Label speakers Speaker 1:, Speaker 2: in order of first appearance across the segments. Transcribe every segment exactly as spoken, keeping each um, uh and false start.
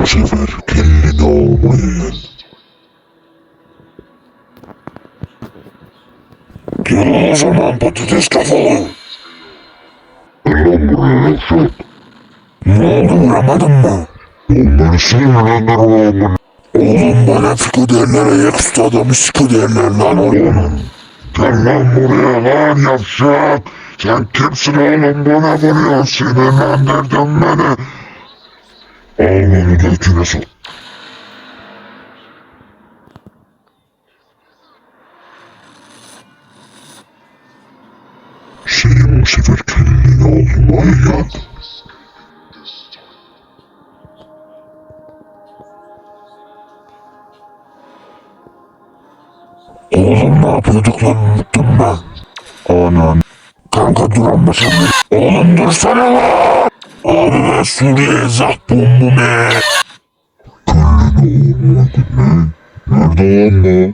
Speaker 1: sefer kendini olmayın. Gel o zaman patates kafalı. Lan buraya yavşak. Ne oldu, vuramadın mı? Onları sinirlendir oğlum. Oğlum bana fiko derler, ayaküstü adamı siko derler lan oğlum. Gel lan buraya lan yavşak. Sen kimsin oğlum, bana vuruyorsun, sinirlendirdin beni. Al onu götüne sok. Senin bu sefer kendini olmayan. Oğlum ne yapıyorduk lan, unuttum ben. Anan. Kanka dur amma sen de. Oğlum dursana lan. Abi ben Suriye'ye zak bombu be. Kendini olmadın ne? Nerede lan bu?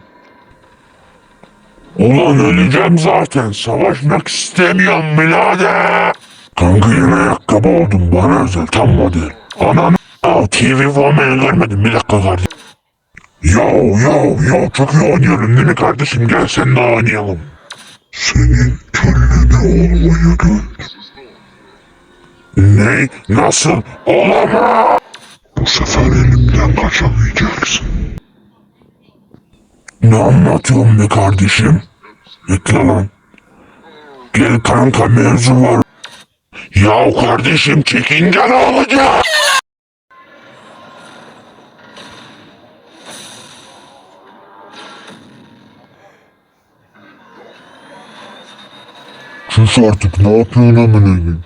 Speaker 1: Ulan öleceğim zaten. Savaşmak istemiyorum birader. Kanka yine ayakkabı oldum. Bana özel tam model. Ananı a**. T V formayı görmedim. Bir dakika kardeşim. Yav yav yav çok iyi oynuyorum değil mi kardeşim? Gel seninle oynayalım. Senin kendini olmaya gel. Ne? Nasıl? Olamaz. Bu sefer elimden kaçamayacaksın. Ne anlatıyorsun be kardeşim? Bekle lan. Gel kanka, mevzu var. Ya kardeşim çekince ne olacak? Sus artık, ne yapıyorsun amına?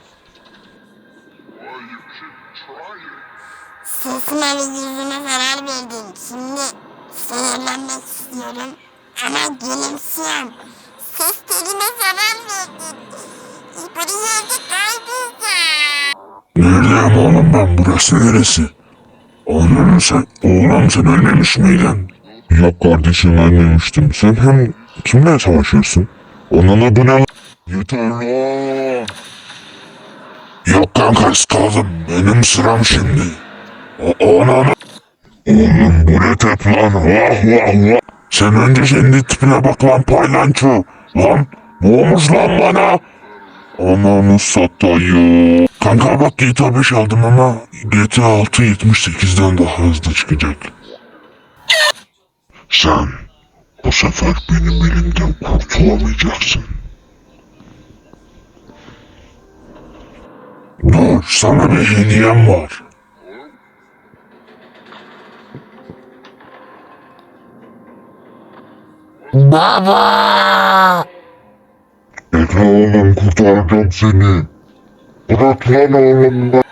Speaker 2: Sesime ve yüzüme zarar verdin. Şimdi sinirlenmek istiyorum. Ama gülümsüyorum. Ses teline zarar verdin. Bu yerde kaybolacağım.
Speaker 1: Neredeyim oğlum ben, burası neresi? Oğlum sen, oğlum sen ölmemiş miydin? Yok kardeşim, ölmemiştim. Sen hem kimle savaşıyorsun? Onun adı ne? Yeter lan. Yok kanka, kaldım. Benim sıram şimdi. O ananı. Oğlum bu ne tep lan? Vah vah vah. Sen önce kendi tipine bak lan paylanço. Lan ne olmuş lan bana? Ananı satayım. Kanka bak G T A beş aldım ama G T A altı yetmiş sekizden daha hızlı çıkacak. Sen bu sefer benim elimden kurtulamayacaksın. Dur, sana bir hediyem var. Baba! Bekle oğlum, kurtaracağım seni. Bırak lan oğlum ben.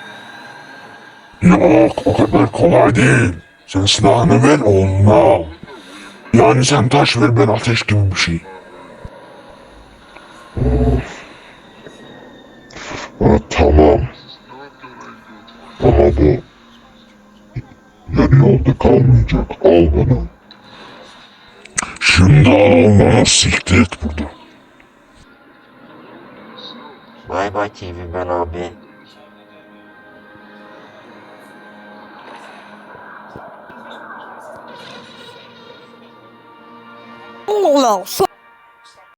Speaker 1: Yok, o kadar kolay değil. Sen silahını ver, oğlunu al. Yani sen taş ver, ben ateş gibi bir şey. Ha, tamam. Ama bu yarı yolda kalmayacak. Al bunu. Şimdi al onu, siktir et buradan.
Speaker 3: Bay bay T V ben abi.
Speaker 4: Allah Allah.